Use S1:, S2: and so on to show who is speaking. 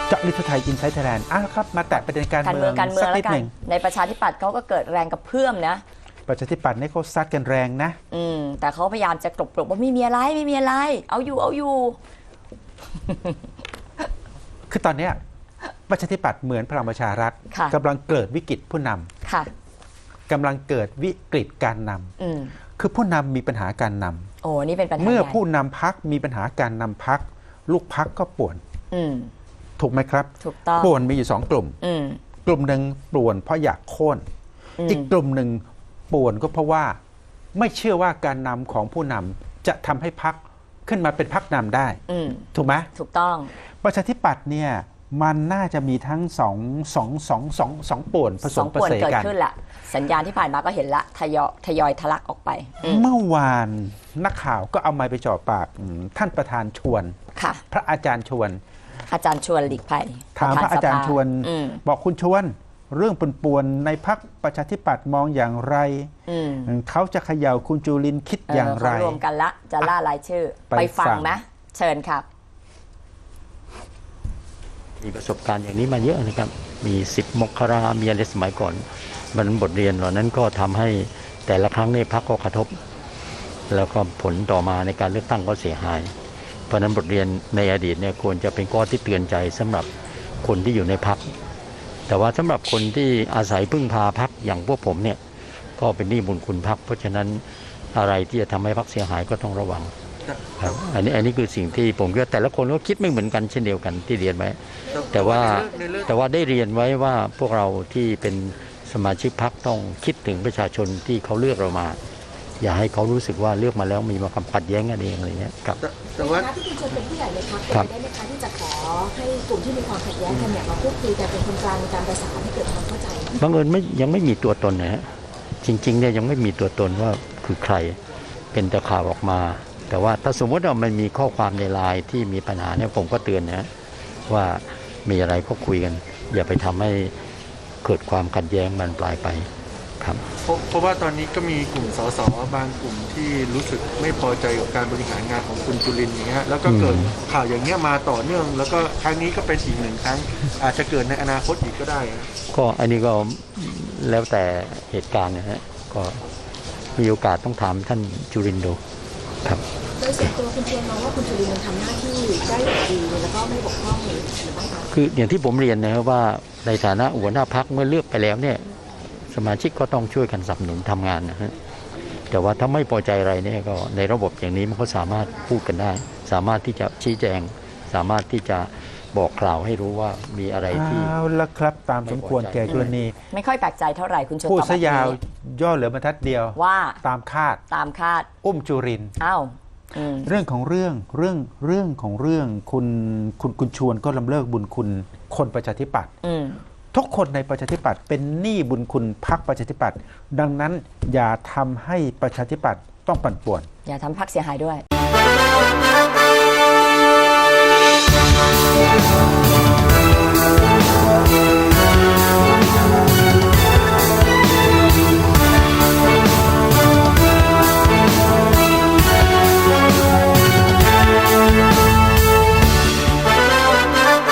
S1: เจาะลึกทั่วไทยอินไซต์ไทยแลนด์ครับมาแตะประเด็นการเมืองสักนิดหนึ่ง
S2: ในประชาธิปัตย์เขาก็เกิดแรงกระเพื่อมนะ
S1: ประชาธิปัตย์นี่เขาซัดกันแรงนะ
S2: แต่เขาพยายามจะกลบว่าไม่มีอะไรเอาอยู่
S1: คือตอนนี้ประชาธิปัตย์เหมือนพลังประชารัฐกำลังเกิดวิกฤตผู้นำกำลังเกิดวิกฤตการนำคือผู้นำมีปัญหาการนำ
S2: โอ้นี่เป็นปัญหา
S1: เมื่อผู้นำพรรคมีปัญหาการนำพรรคลูกพรรคก็ป่วนถูกไหมครับ
S2: ถูกต้อง
S1: ป่วนมีอยู่2 กลุ่มกลุ่มหนึ่งป่วนเพราะอยากโค่นอีกกลุ่มหนึ่งป่วนก็เพราะว่าไม่เชื่อว่าการนำของผู้นำจะทำให้พรรคขึ้นมาเป็นพรรคนำได้ถูกไหม
S2: ถูกต้อง
S1: ประชาธิปัตย์เนี่ยมันน่าจะมีทั้งสองป่วนผสมผสานกัน
S2: เกิดขึ้นละสัญญาณที่ผ่านมาก็เห็นละทยอยทะลักออกไป
S1: เมื่อวานนักข่าวก็เอาไมค์ไปจ่อปากท่านประธานชวนพระอาจารย์ชวน
S2: หลีกภัย
S1: ถามพระอาจารย์ชวนบอกคุณชวนเรื่องป่วนในพรรคประชาธิปัตย์มองอย่างไรเขาจะเขย่าคุณจุรินทร์คิดอย่างไร
S2: รวมกันละจะล่ารายชื่อไปฟังไหมเชิญครับ
S3: มีประสบการณ์อย่างนี้มาเยอะนะครับมี10 มกรามีอะไรสมัยก่อนมันบทเรียนเหล่านั้นก็ทำให้แต่ละครั้งในพรรคก็กระทบแล้วก็ผลต่อมาในการเลือกตั้งก็เสียหายเพราะนั้นบทเรียนในอดีตเนี่ยควรจะเป็นข้อที่เตือนใจสำหรับคนที่อยู่ในพรรคแต่ว่าสำหรับคนที่อาศัยพึ่งพาพรรคอย่างพวกผมเนี่ยก็เป็นหนี้บุญคุณพรรคเพราะฉะนั้นอะไรที่จะทำให้พรรคเสียหายก็ต้องระวังครับอันนี้คือสิ่งที่ผมคิดว่าแต่ละคนก็คิดไม่เหมือนกันเช่นเดียวกันที่เรียนไว้แต่ว่าได้เรียนไว้ว่าพวกเราที่เป็นสมาชิกพรรคต้องคิดถึงประชาชนที่เขาเลือกเรามาอย่าให้เขารู้สึกว่าเลือกมาแล้วมีมาความขัดแย้งกันเองอะไรเงี้ยครับ
S4: แต่ว่าที่คุณชวนเป็นผู้ใหญ่ในพรรคได้ไหมคะที่จะขอให้กลุ่มที่มีความขัดแย้งกันเนี่ยมาพูดคุยกันเป็นคนกลางในการประสานให้เกิดความเข้าใจ
S3: บังเอิญยังไม่มีตัวตนนะฮะจริงๆเนี่ยยังไม่มีตัวตนว่าคือใครเป็นแต่ข่าวออกมาแต่ว่าถ้าสมมติว่ามันมีข้อความในไลน์ที่มีปัญหาเนี่ยผมก็เตือนนะว่ามีอะไรก็คุยกันอย่าไปทำให้เกิดความขัดแย้งมันปลายไปครับ
S4: เพราะว่าตอนนี้ก็มีกลุ่มสสบางกลุ่มที่รู้สึกไม่พอใจกับการบริหารงานของคุณจุรินทร์อย่างเงี้ยแล้วก็เกิดข่าวอย่างเงี้ยมาต่อเนื่องแล้วก็ครั้งนี้ก็เป็นอีก1 ครั้งอาจจะเกิดในอนาคตอีกก็ได้
S3: ก็อันนี้ก็แล้วแต่เหตุการณ์นะฮะก็มีโอกาสต้องถามท่านจุรินทร์ดูครับ
S4: โดยส่วนตัวคุณเชียร์มองว่าคุณจุรินทร์ทำหน้าที่ได้อย่างดีแล้วก็ไม่บกพร่องหรือไม่คะ
S3: คืออย่างที่ผมเรียนนะครับว่าในฐานะหัวหน้าพรรคเมื่อเลือกไปแล้วเนี่ยสมาชิกก็ต้องช่วยกันสนับสนุนทำงานนะฮะแต่ว่าถ้าไม่พอใจอะไรเนี่ยก็ในระบบอย่างนี้มันก็สามารถพูดกันได้สามารถที่จะชี้แจงสามารถที่จะบอกกล่าวให้รู้ว่ามีอะไรที่
S1: เอาละครับตามสมควรแก่กรณี
S2: ไม่ค่อยแปลกใจเท่าไหร่คุณชวน
S1: พูดซะยาวย่อเหลือบรรทัดเดียว
S2: ว่า
S1: ตามคาดอุ้มจุรินทร์เรื่องของเรื่องคุณชวนก็ลำเลิกบุญคุณคนประชาธิปัตย์ทุกคนในประชาธิปัตย์เป็นหนี้บุญคุณพรรคประชาธิปัตย์ดังนั้นอย่าทำให้ประชาธิปัตย์ต้องปั่นป่วน
S2: อย่าทำพรรคเสียหายด้วย